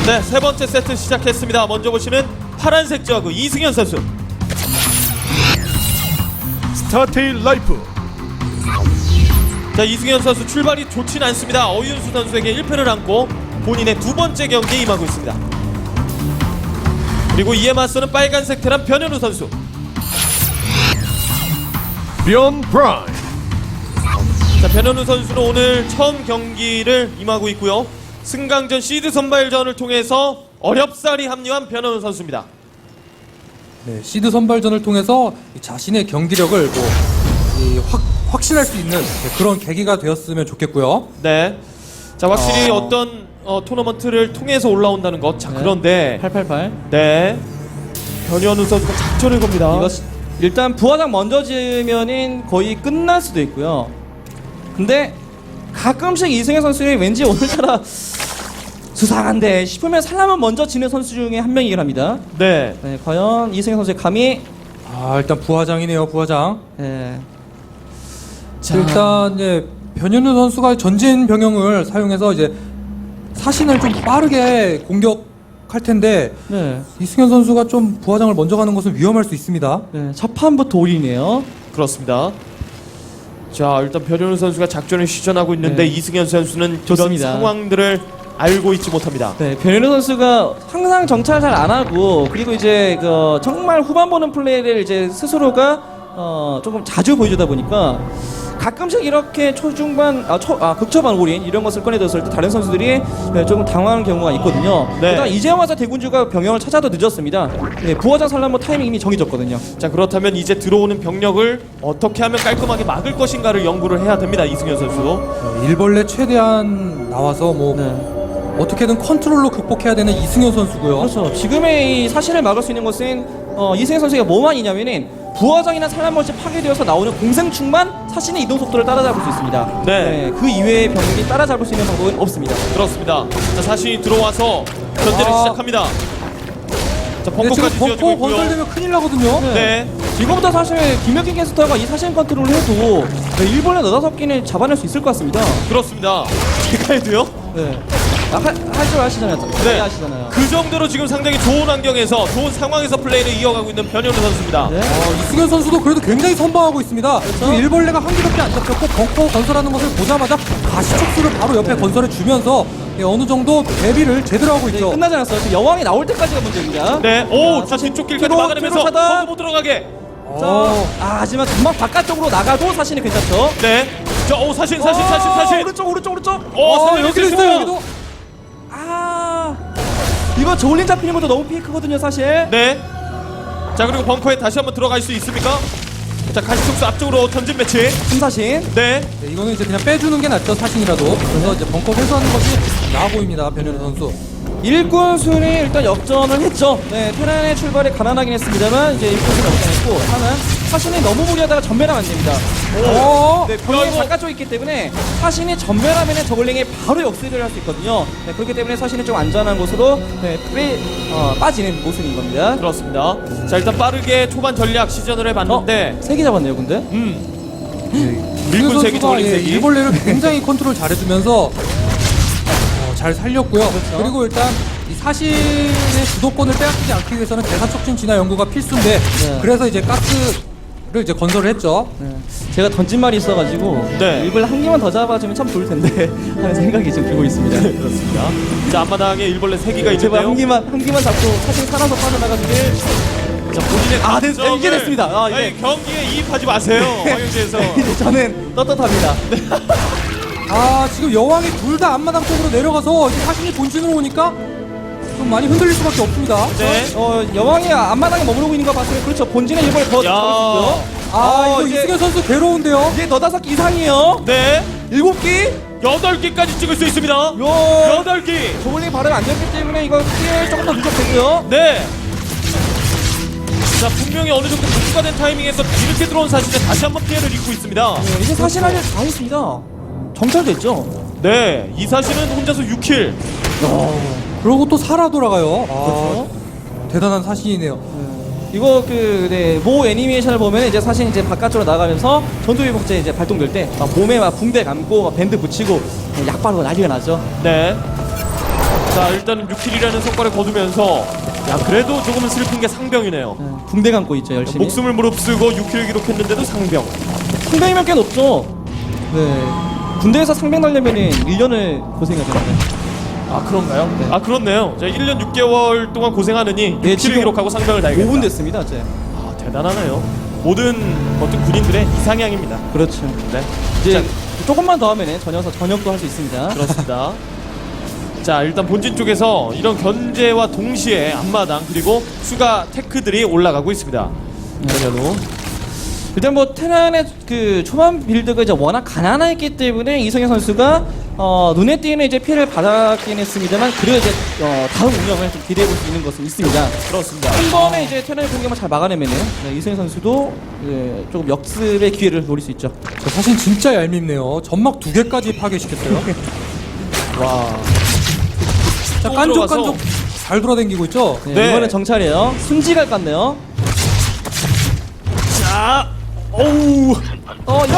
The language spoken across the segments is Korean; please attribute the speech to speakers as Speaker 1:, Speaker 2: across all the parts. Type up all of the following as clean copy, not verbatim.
Speaker 1: 네, 세 번째 세트 시작했습니다. 먼저 보시는 파란색 저그 이승현 선수.
Speaker 2: 스타테일 라이프.
Speaker 1: 자, 이승현 선수 출발이 좋진 않습니다. 어윤수 선수에게 1패를 안고 본인의 두 번째 경기에 임하고 있습니다. 그리고 이에 맞서는 빨간색 테란 변현우 선수.
Speaker 2: 변 브라인.
Speaker 1: 자, 변현우 선수는 오늘 처음 경기를 임하고 있고요. 승강전 시드 선발전을 통해서 어렵사리 합류한 변현우 선수입니다.
Speaker 3: 네, 시드 선발전을 통해서 이 자신의 경기력을 확신할 수 있는 그런 계기가 되었으면 좋겠고요.
Speaker 1: 네. 자, 확실히 어떤 토너먼트를 통해서 올라온다는 것. 자,
Speaker 4: 네.
Speaker 1: 그런데
Speaker 4: 888.
Speaker 1: 네. 변현우 선수가 작전을 겁니다.
Speaker 4: 이거 일단 부하장 먼저 지으면은 거의 끝날 수도 있고요. 근데 가끔씩 이승현 선수의 왠지 오늘따라 수상한데 싶으면 살라면 먼저 지는 선수 중에 한 명이긴 합니다.
Speaker 1: 네.
Speaker 4: 네, 과연 이승현 선수의 감이
Speaker 3: 일단 부하장이네요, 부하장.
Speaker 4: 네.
Speaker 3: 일단 변현우 선수가 전진 병영을 사용해서 이제 사신을 좀 빠르게 공격할 텐데
Speaker 4: 네.
Speaker 3: 이승현 선수가 좀 부하장을 먼저 가는 것은 위험할 수 있습니다.
Speaker 4: 네, 첫 판부터 올이네요.
Speaker 1: 그렇습니다. 자, 일단 변현우 선수가 작전을 시전하고 있는데
Speaker 4: 네.
Speaker 1: 이승현 선수는
Speaker 4: 좋습니다.
Speaker 1: 이런 상황들을 알고 있지 못합니다.
Speaker 4: 네, 변현우 선수가 항상 정찰 잘 안 하고 그리고 이제 정말 후반 보는 플레이를 이제 스스로가 조금 자주 보여주다 보니까 가끔씩 이렇게 초중반, 극초반 올인 이런 것을 꺼내들었을 때 다른 선수들이 조금 당황하는 경우가 있거든요.
Speaker 1: 네.
Speaker 4: 일단 이제 와서 대군주가 병영을 찾아도 늦었습니다. 네, 부하장 산란모 타이밍 이미 정해졌거든요.
Speaker 1: 자, 그렇다면 이제 들어오는 병력을 어떻게 하면 깔끔하게 막을 것인가를 연구를 해야 됩니다. 이승현 선수도.
Speaker 3: 일벌레 최대한 나와서
Speaker 4: 네.
Speaker 3: 어떻게든 컨트롤로 극복해야 되는 이승현 선수고요.
Speaker 4: 그렇죠. 지금의 이 사실을 막을 수 있는 것은 이승현 선수가 뭐만이냐면은 부하장이나 산란모시 파괴되어서 나오는 공생충만 사신의 이동 속도를 따라잡을 수 있습니다.
Speaker 1: 네.
Speaker 4: 그 이외의 병력이 따라잡을 수 있는 방법은 없습니다.
Speaker 1: 그렇습니다. 자, 자신이 들어와서 견제를 시작합니다. 자,
Speaker 3: 근데 지금
Speaker 1: 벙커까지 지어지고
Speaker 3: 벙커
Speaker 1: 있고요.
Speaker 3: 건설되면 큰일 나거든요.
Speaker 1: 네.
Speaker 4: 지금부터 사실 김혁기 캐스터가 이 사신 컨트롤을 해도 일본의 너다섯 개는 잡아낼 수 있을 것 같습니다.
Speaker 1: 그렇습니다. 제가 해도요?
Speaker 4: 네. 할 줄 아시잖아요.
Speaker 1: 네.
Speaker 4: 아시잖아요.
Speaker 1: 그 정도로 지금 상당히 좋은 환경에서 좋은 상황에서 플레이를 이어가고 있는 변현우 선수입니다.
Speaker 4: 네.
Speaker 3: 이승현 선수도 그래도 굉장히 선방하고 있습니다. 지금 일벌레가 한 개밖에 안 잡혔고 벙커 건설하는 것을 보자마자 가시촉수를 바로 옆에 건설해 주면서 어느 정도 대비를 제대로 하고
Speaker 4: 네,
Speaker 3: 있죠.
Speaker 4: 끝나지 않았어요. 지금 여왕이 나올 때까지가 문제입니다.
Speaker 1: 네. 오, 자,
Speaker 4: 사신
Speaker 1: 뒤쪽 길까지
Speaker 4: 뒤로,
Speaker 1: 막아내면서
Speaker 4: 뒤로 차단.
Speaker 1: 벙커 못 들어가게.
Speaker 4: 하지만 금방 바깥쪽으로 나가도 사신이 괜찮죠.
Speaker 1: 네. 자, 오, 사신.
Speaker 4: 오른쪽.
Speaker 1: 사신
Speaker 3: 여기도
Speaker 1: 여기
Speaker 3: 있어요. 여기도.
Speaker 4: 이거 저울린 잡히는 것도 너무 페이크거든요, 사실.
Speaker 1: 네. 자, 그리고 벙커에 다시 한번 들어갈 수 있습니까? 자, 가시촉수 앞쪽으로 전진 매치.
Speaker 4: 금사신.
Speaker 1: 네.
Speaker 3: 네, 이거는 이제 그냥 빼주는 게 낫죠, 사신이라도. 그래서 이제 벙커 회수하는 것이 나아 보입니다, 변현우 선수.
Speaker 4: 일꾼순이 일단 역전을 했죠. 네, 테란의 출발이 가난하긴 했습니다만 이제 일꾼순 역전했고 하나 사신이 너무 무리하다가 전멸하면 안 됩니다. 네, 병력이
Speaker 1: 이거-
Speaker 4: 바깥쪽에 있기 때문에 사신이 전멸하면 저글링이 바로 역습을 할 수 있거든요. 네, 그렇기 때문에 사신이 좀 안전한 곳으로 빠지는 모습인 겁니다.
Speaker 1: 그렇습니다. 자, 일단 빠르게 초반 전략 시전을 해봤는데
Speaker 4: 세 개 잡았네요, 근데.
Speaker 1: 밀군
Speaker 3: 이승현
Speaker 1: 세기,
Speaker 3: 선수가
Speaker 1: 저글링 세기.
Speaker 3: 일벌레를 굉장히 컨트롤 잘해주면서 잘 살렸고요.
Speaker 4: 그렇죠.
Speaker 3: 그리고 일단 이 사신의 주도권을 빼앗기지 않기 위해서는 대사촉진 진화 연구가 필수인데
Speaker 4: 네.
Speaker 3: 그래서 이제 가스를 이제 건설을 했죠.
Speaker 4: 네. 제가 던진 말이 있어가지고
Speaker 1: 네.
Speaker 4: 일벌레 한 개만 더 잡아주면 참 좋을 텐데 하는 생각이 지금 들고 있습니다.
Speaker 1: 그렇습니다. 자, 앞마당에 일벌레 3기가
Speaker 4: 제발
Speaker 1: 있는데요.
Speaker 4: 한 개만 잡고 사신 살아서 빠져나가길.
Speaker 1: 자, 본인의
Speaker 4: 됐- 이제 됐습니다. 아, 이제.
Speaker 1: 아니, 경기에 이입하지 마세요. 황영재에서.
Speaker 4: 이제 저는 떳떳합니다.
Speaker 3: 지금 여왕이 둘 다 앞마당 쪽으로 내려가서 이제 사신이 본진으로 오니까 좀 많이 흔들릴 수밖에 없습니다.
Speaker 1: 네.
Speaker 4: 여왕이 앞마당에 머무르고 있는 거 봤으면 그렇죠. 본진의 일벌 더
Speaker 1: 야.
Speaker 4: 잡을 수 있고요.
Speaker 3: 이거
Speaker 4: 이제
Speaker 3: 이승현 선수 괴로운데요.
Speaker 4: 이제 너다섯 개 이상이에요.
Speaker 1: 네.
Speaker 4: 7개?
Speaker 1: 8기까지 찍을 수 있습니다.
Speaker 4: 요.
Speaker 1: 8기.
Speaker 4: 저글링 발음 안 됐기 때문에 이거 피해 조금 더 누적되고요.
Speaker 1: 네. 자, 분명히 어느 정도 복구가 된 타이밍에서 이렇게 들어온 사실은 다시 한번 피해를 입고 있습니다.
Speaker 4: 네, 이제 사실 할 일 다 했습니다. 정찰됐죠.
Speaker 1: 네. 이 사실은 혼자서 6킬.
Speaker 3: 그러고 또 살아 돌아가요.
Speaker 4: 그렇죠.
Speaker 3: 대단한 사신이네요.
Speaker 4: 이거 모 애니메이션을 보면 이제 사실 이제 바깥쪽으로 나가면서 전투위복제 이제 발동될 때 몸에 막 붕대 감고 막 밴드 붙이고 약 바르고 난리가 나죠.
Speaker 1: 네. 자, 일단 6킬이라는 성과를 거두면서 야, 그래도 조금은 슬픈 게 상병이네요.
Speaker 4: 네, 붕대 감고 있죠 열심히.
Speaker 1: 목숨을 무릅쓰고 6킬을 기록했는데도 상병.
Speaker 4: 상병이면 꽤 높죠. 네. 군대에서 상병 달려면은 1년을 고생해야 되는데.
Speaker 1: 아, 그런가요?
Speaker 4: 네.
Speaker 1: 아, 그렇네요. 자, 1년 6개월 동안 고생하느니
Speaker 4: 네,
Speaker 1: 6킬을
Speaker 4: 지금
Speaker 1: 기록하고 상병을 달겠다.
Speaker 4: 5분 됐습니다, 이제.
Speaker 1: 아, 대단하네요. 모든 어떤 군인들의 이상향입니다.
Speaker 4: 그렇죠.
Speaker 1: 네.
Speaker 4: 이제 조금만 더 하면은 전역도 할 수 있습니다.
Speaker 1: 그렇습니다. 자, 일단 본진 쪽에서 이런 견제와 동시에 앞마당 그리고 추가 테크들이 올라가고 있습니다. 전현우.
Speaker 4: 일단 뭐 테란의 그 초반 빌드가 이제 워낙 가난했기 때문에 이성현 선수가 눈에 띄는 이제 피해를 받았긴 했습니다만 그래도 이제 다음 운영을 좀 기대해 볼 수 있는 것은 있습니다.
Speaker 1: 그렇습니다.
Speaker 4: 한 번에 이제 테란의 공격만 잘 막아내면은 이성현 선수도 조금 역습의 기회를 노릴 수 있죠.
Speaker 3: 저 사실 진짜 얄밉네요. 점막 2개까지 파괴시켰어요.
Speaker 1: 와.
Speaker 3: 자,
Speaker 1: 또
Speaker 3: 깐족깐족
Speaker 1: 들어가서.
Speaker 3: 잘 돌아다니고 있죠.
Speaker 4: 네,
Speaker 1: 네.
Speaker 4: 이번엔 정찰이에요. 순지갈 같네요.
Speaker 1: 자, 어우.
Speaker 4: 요.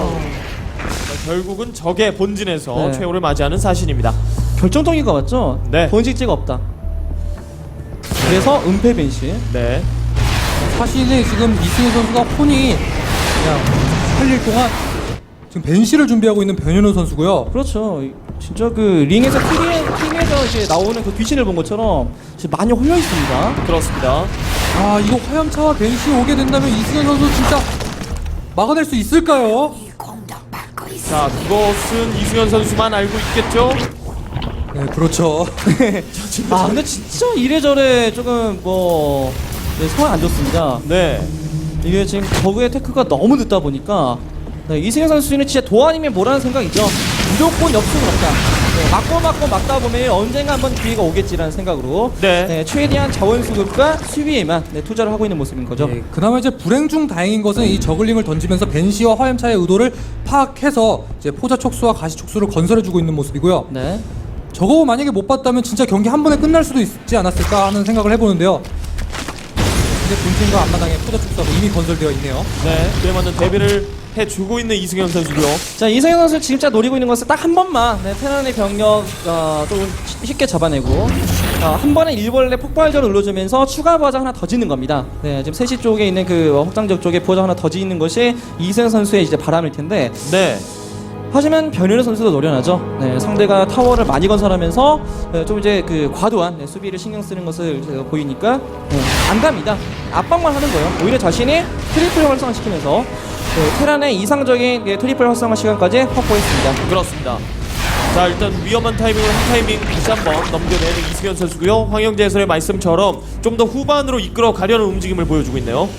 Speaker 1: 자, 결국은 적의 본진에서
Speaker 4: 네.
Speaker 1: 최후를 맞이하는 사신입니다.
Speaker 4: 결정적인 거 맞죠?
Speaker 1: 네.
Speaker 4: 본식지가 없다. 그래서 은폐 벤시.
Speaker 1: 네.
Speaker 3: 사실은 지금 이승현 선수가 혼이 그냥 살릴 동안 지금 벤시를 준비하고 있는 변현우 선수고요.
Speaker 4: 그렇죠. 진짜 그 링에서 팀에서 이제 나오는 그 귀신을 본 것처럼 지금 많이 홀려 있습니다.
Speaker 1: 그렇습니다.
Speaker 3: 아, 이거 화염차와 벤시 오게 된다면 이승현 선수 진짜 막아낼 수 있을까요?
Speaker 1: 자, 그것은 이승현 선수만 알고 있겠죠?
Speaker 3: 네, 그렇죠.
Speaker 4: 아 근데 진짜 이래저래 조금 뭐 소화 안 좋습니다.
Speaker 1: 네.
Speaker 4: 이게 지금 저그의 테크가 너무 늦다 보니까 이승현 선수는 진짜 도안이면 뭐라는 생각이죠. 무조건 역습은 없다. 맞고 막다 보면 언젠가 한번 기회가 오겠지라는 생각으로
Speaker 1: 네.
Speaker 4: 최대한 자원 수급과 수비에만 투자를 하고 있는 모습인 거죠.
Speaker 3: 네, 그나마 이제 불행 중 다행인 것은 이 저글링을 던지면서 벤시와 화염차의 의도를 파악해서 이제 포자 촉수와 가시 촉수를 건설해주고 있는 모습이고요.
Speaker 4: 네.
Speaker 3: 저거 만약에 못 봤다면 진짜 경기 한 번에 끝날 수도 있지 않았을까 하는 생각을 해보는데요. 이제 본진과 앞마당에 포자 촉수가 이미 건설되어 있네요.
Speaker 1: 네. 그에 맞는 대비를 해주고 있는 이승현 선수고요.
Speaker 4: 자 이승현 선수 진짜 노리고 있는 것은 딱 한 번만 테란의 병력 조금 쉽게 잡아내고 한 번에 일벌레 폭발전을 눌러주면서 추가 부하장 하나 더 짓는 겁니다. 네, 지금 3시 쪽에 있는 그 확장적 쪽에 부하장 하나 더 짓는 것이 이승현 선수의 이제 바람일 텐데
Speaker 1: 네.
Speaker 4: 하지만 변현우 선수도 노련하죠. 네, 상대가 타워를 많이 건설하면서 좀 이제 그 과도한 수비를 신경 쓰는 것을 보이니까 안 갑니다. 압박만 하는 거예요. 오히려 자신이 트리플 활성화시키면서 테란의 이상적인 트리플 활성화 시간까지 확보했습니다.
Speaker 1: 그렇습니다. 자, 일단 위험한 타이밍을 한 타이밍 다시 한번 넘겨내는 이승현 선수고요. 황영재 해설의 말씀처럼 좀 더 후반으로 이끌어 가려는 움직임을 보여주고 있네요.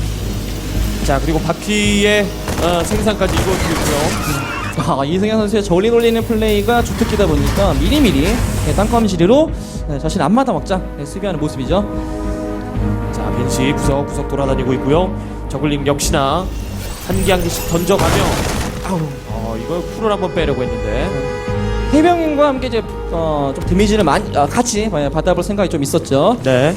Speaker 1: 자, 그리고 바퀴의 생산까지 이루어지고 있고요.
Speaker 4: 이승현 선수의 저울링 올리는 플레이가 주특기다 보니까 미리미리 땅콩 지리로 자신 앞마당 확장 수비하는 모습이죠.
Speaker 1: 자, 벤시 구석구석 돌아다니고 있고요. 저글링 역시나 한 개씩 던져가며 이거 풀을 한번 빼려고 했는데
Speaker 4: 해병인과 함께 이제 좀 데미지를 많이 같이 받아볼 생각이 좀 있었죠.
Speaker 1: 네.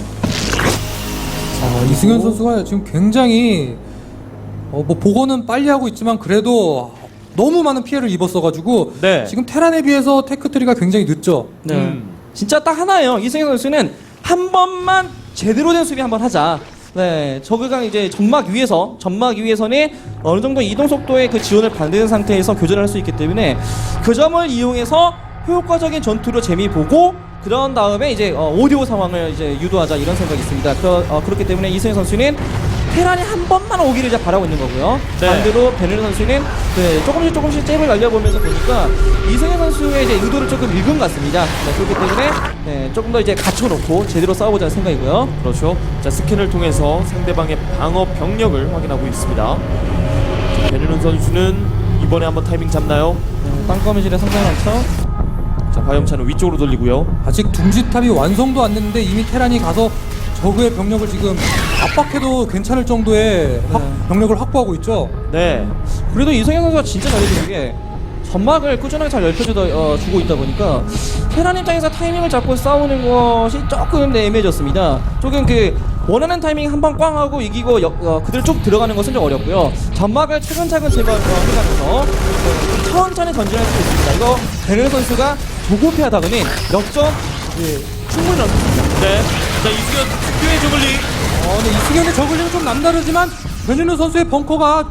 Speaker 3: 이승현 선수가 지금 굉장히 뭐 복원은 빨리 하고 있지만 그래도 너무 많은 피해를 입었어가지고
Speaker 1: 네.
Speaker 3: 지금 테란에 비해서 테크트리가 굉장히 늦죠.
Speaker 4: 네. 진짜 딱 하나예요. 이승현 선수는 한 번만 제대로 된 수비 한번 하자. 네, 저그가 이제 점막 위에서는 어느 정도 이동 속도의 그 지원을 받는 상태에서 교전을 할 수 있기 때문에 그 점을 이용해서 효과적인 전투로 재미 보고 그런 다음에 이제 오디오 상황을 이제 유도하자 이런 생각이 있습니다. 그렇기 때문에 이승현 선수는 테란이 한 번만 오기를 이제 바라고 있는 거고요.
Speaker 1: 네.
Speaker 4: 반대로 베네르 선수는 조금씩 잽을 날려보면서 보니까 이승현 선수의 이제 의도를 조금 읽은 것 같습니다. 그렇기 때문에 조금 더 이제 갖춰놓고 제대로 싸워보자는 생각이고요.
Speaker 1: 그렇죠. 자, 스캔을 통해서 상대방의 방어 병력을 확인하고 있습니다. 베르는 선수는 이번에 한번 타이밍 잡나요?
Speaker 4: 땅거미실에 상당히 많죠.
Speaker 1: 자, 화염차는 위쪽으로 돌리고요.
Speaker 3: 아직 둥지탑이 완성도 안 됐는데 이미 테란이 가서 저그의 병력을 지금 압박해도 괜찮을 정도의 병력을 확보하고 있죠.
Speaker 1: 네.
Speaker 4: 그래도 이승현 선수가 진짜 잘해주는 게 점막을 꾸준하게 잘 주고 있다 보니까 테란 입장에서 타이밍을 잡고 싸우는 것이 조금 애매해졌습니다. 조금 그 원하는 타이밍 한 번 꽝 하고 이기고 그대로 쭉 들어가는 것은 좀 어렵고요. 점막을 차근차근 제거해가면서 천천히 전진할 수 있습니다. 이거 베르 선수가 조급해하다 보니 역전 충분히 넣습니다.
Speaker 1: 네. 자, 이승현 특유의 저글링.
Speaker 3: 네, 이승현의 저글링은 좀 남다르지만 변현우 선수의 벙커가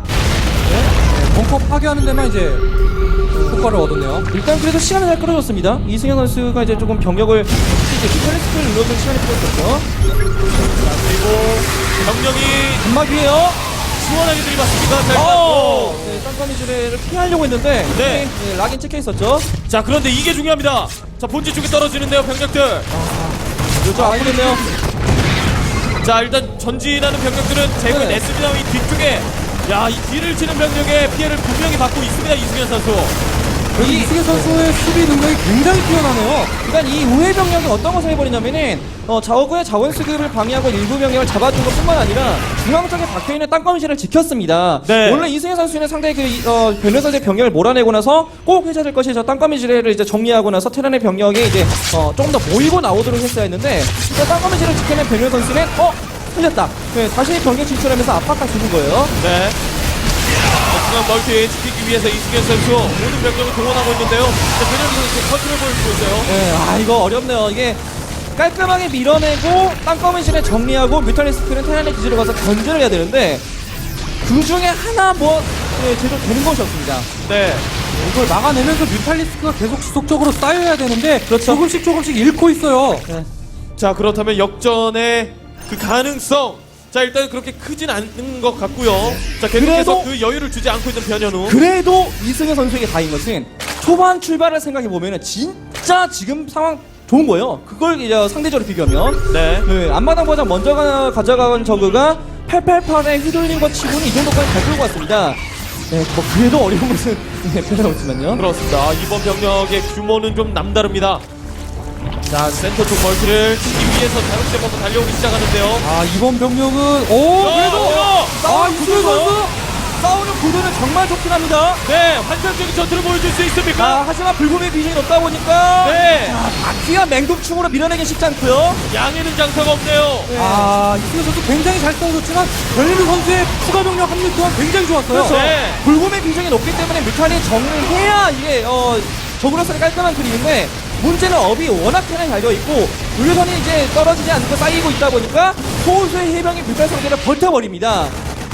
Speaker 3: 벙커 파괴하는 데만 이제 효과를 얻었네요.
Speaker 4: 일단 그래도 시간을 잘 끌어줬습니다. 이승현 선수가 이제 조금 병력을 이제 디플렉스를 눌러준 시간이 필요했었죠.
Speaker 1: 그리고 병력이
Speaker 4: 단막이에요.
Speaker 1: 시원하게 들이받습니다. 잘 맞고.
Speaker 4: 네, 쌍꺼미즈레를 피하려고 했는데
Speaker 1: 네.
Speaker 4: 락인 찍혀 있었죠.
Speaker 1: 자, 그런데 이게 중요합니다. 자, 본진 쪽에 떨어지는데요, 병력들.
Speaker 4: 요즘 아프겠네요.
Speaker 1: 자, 일단 전진하는 병력들은 제거해
Speaker 4: 네.
Speaker 1: 냈습니다. 이 뒤쪽에. 야, 이 뒤를 치는 병력의 피해를 분명히 받고 있습니다, 이승현 선수.
Speaker 3: 이승현 선수의 수비 능력이 굉장히 뛰어나네요.
Speaker 4: 그러니까 이 우회 병력이 어떤 것을 해버리냐면은 저그의 자원 수급을 방해하고 일부 병력을 잡아준 것뿐만 아니라 중앙 쪽에 박혀있는 땅거미실을 지켰습니다.
Speaker 1: 네.
Speaker 4: 원래 이승현 선수는 상당히 변현 선수의 병력을 몰아내고 나서 꼭 해줘야 될 것이 저 땅거미실을 이제 정리하고 나서 테란의 병력이 이제 조금 더 모이고 나오도록 했어야 했는데 땅거미실을 지켜낸 변현 선수는 틀렸다. 네, 다시 병력 진출하면서 압박감 주는 거예요.
Speaker 1: 네. 중앙 멀티 지키기 위해서 이승현 선수 모든 병력을 동원하고 있는데요. 자, 변현우 선수 컨트롤 보여주고 있어요.
Speaker 4: 네, 이거 어렵네요. 이게 깔끔하게 밀어내고 땅거미실에 정리하고 뮤탈리스크는 테란의 기지로 가서 견제를 해야 되는데 그 중에 하나 제대로 되는 것이 없습니다.
Speaker 1: 네.
Speaker 3: 이걸 막아내면서 뮤탈리스크가 계속 지속적으로 쌓여야 되는데
Speaker 4: 그렇죠.
Speaker 3: 조금씩 잃고 있어요.
Speaker 1: 자, 그렇다면 역전의 그 가능성. 자, 일단 그렇게 크진 않은 것 같고요. 자, 계속해서
Speaker 4: 그래도-
Speaker 1: 그 여유를 주지 않고 있는 변현우.
Speaker 4: 그래도 이승현 선수에게 다인 것은 초반 출발을 생각해 보면은 진짜 지금 상황 좋은 거예요. 그걸 이제 상대적으로 비교하면
Speaker 1: 네.
Speaker 4: 앞마당 보장 먼저 가져간 저그가 888에 휘둘린 것 치고는 이 정도까지 잘 끌고 왔습니다. 네, 뭐 그래도 어려운 것은 변함없지만요.
Speaker 1: 그렇습니다. 이번 병력의 규모는 좀 남다릅니다. 자, 센터 쪽 멀티를 치기 위해서 자극제 먹고 달려오기 시작하는데요.
Speaker 3: 이번 병력은 그래도 이승현 선수
Speaker 4: 싸우는 구도는 정말 좋긴 합니다.
Speaker 1: 네, 환상적인 전투를 보여줄 수 있습니까?
Speaker 4: 하지만 불금의 비중이 높다 보니까
Speaker 1: 네,
Speaker 4: 바퀴와 맹독충으로 밀어내긴 쉽지 않고요.
Speaker 1: 양에는 장사가 없네요.
Speaker 3: 이승현 선수 굉장히 잘 싸워줬지만 변현우 선수의 추가 병력 합류 또한 굉장히 좋았어요.
Speaker 4: 그렇죠.
Speaker 1: 네.
Speaker 4: 불금의 비중이 높기 때문에 뮤탄이 정리해야 이게 적으로서는 깔끔한 그림인데 문제는 업이 워낙 편하게 달려 있고 물건이 이제 떨어지지 않고 쌓이고 있다 보니까 소수의 해병이 뮤탄 상대를 버텨버립니다.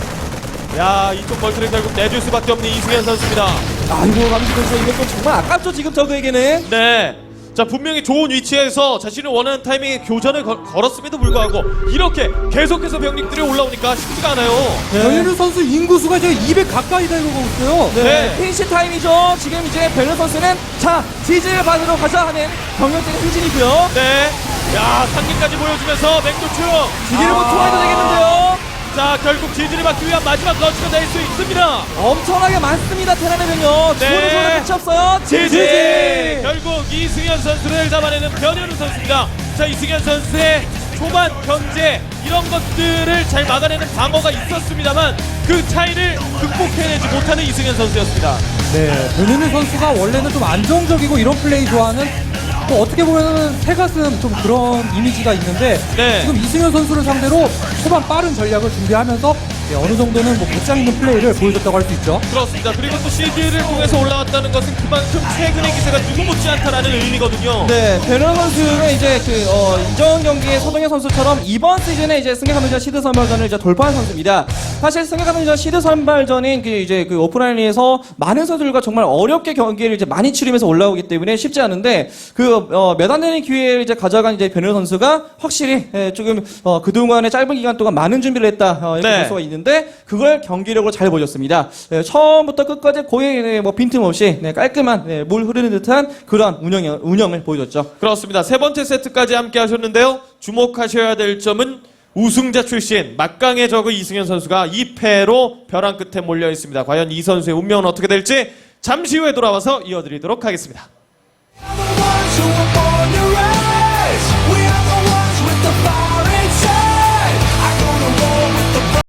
Speaker 1: 야, 이쪽 멀티를 결국 내줄 수밖에 없는 이승현 선수입니다.
Speaker 4: 아이고 감시 선수 이것도 정말 아깝죠 지금 저그에게는.
Speaker 1: 네. 자, 분명히 좋은 위치에서 자신을 원하는 타이밍에 교전을 걸었음에도 불구하고 이렇게 계속해서 병력들이 올라오니까 쉽지가 않아요.
Speaker 3: 변현우 선수 인구수가 이제 200 가까이 달려가고 있어요.
Speaker 1: 네.
Speaker 4: 피니시 타임이죠. 지금 이제 베르 선수는 자 지지를 받으러 가자 하는 병력들의 행진이고요.
Speaker 1: 네. 야, 상기까지 보여주면서 맹도충.
Speaker 4: 지지를 못 통해도 되겠는데요.
Speaker 1: 자, 결국 지지를 막기 위한 마지막 러시가 될 수 있습니다.
Speaker 4: 엄청나게 많습니다 테란의 병력.
Speaker 1: 네.
Speaker 4: 주문의 소리 끝이 없어요.
Speaker 1: 지지! 결국 이승현 선수를 잡아내는 변현우 선수입니다. 자, 이승현 선수의 초반 견제 이런 것들을 잘 막아내는 방어가 있었습니다만 그 차이를 극복해내지 못하는 이승현 선수였습니다.
Speaker 3: 네, 변현우 선수가 원래는 좀 안정적이고 이런 플레이 좋아하는 또 어떻게 보면은 새가슴 좀 그런 이미지가 있는데
Speaker 1: 네.
Speaker 3: 지금 이승현 선수를 상대로 초반 빠른 전략을 준비하면서 어느 정도는 뭐 배짱 있는 플레이를 보여줬다고 할 수 있죠.
Speaker 1: 그렇습니다. 그리고 또 CG를 통해서 올라왔다는 것은 그만큼 최근의 기세가 누구 못지않다라는 의미거든요.
Speaker 4: 네, 베르 선수는 이제 이전 경기의 서동현 선수처럼 이번 시즌에 이제 승격하면전 시드 선발전을 이제 돌파한 선수입니다. 사실 승격하면전 시드 선발전인 그 오프라인에서 많은 선수들과 정말 어렵게 경기를 이제 많이 치르면서 올라오기 때문에 쉽지 않은데 몇 안 되는 기회를 이제 가져간 이제 베르 선수가 확실히 조금 그동안의 짧은 기간 동안 많은 준비를 했다 이렇게
Speaker 1: 네.
Speaker 4: 볼 수가 있는데 그걸 경기력으로 잘 보여줬습니다. 처음부터 끝까지 거의 뭐 빈틈없이 깔끔한 물 흐르는 듯한 그런 운영을 보여줬죠.
Speaker 1: 그렇습니다. 세 번째 세트까지 함께 하셨는데요. 주목하셔야 될 점은 우승자 출신 막강의 저그 이승현 선수가 2패로 벼랑 끝에 몰려 있습니다. 과연 이 선수의 운명은 어떻게 될지 잠시 후에 돌아와서 이어드리도록 하겠습니다.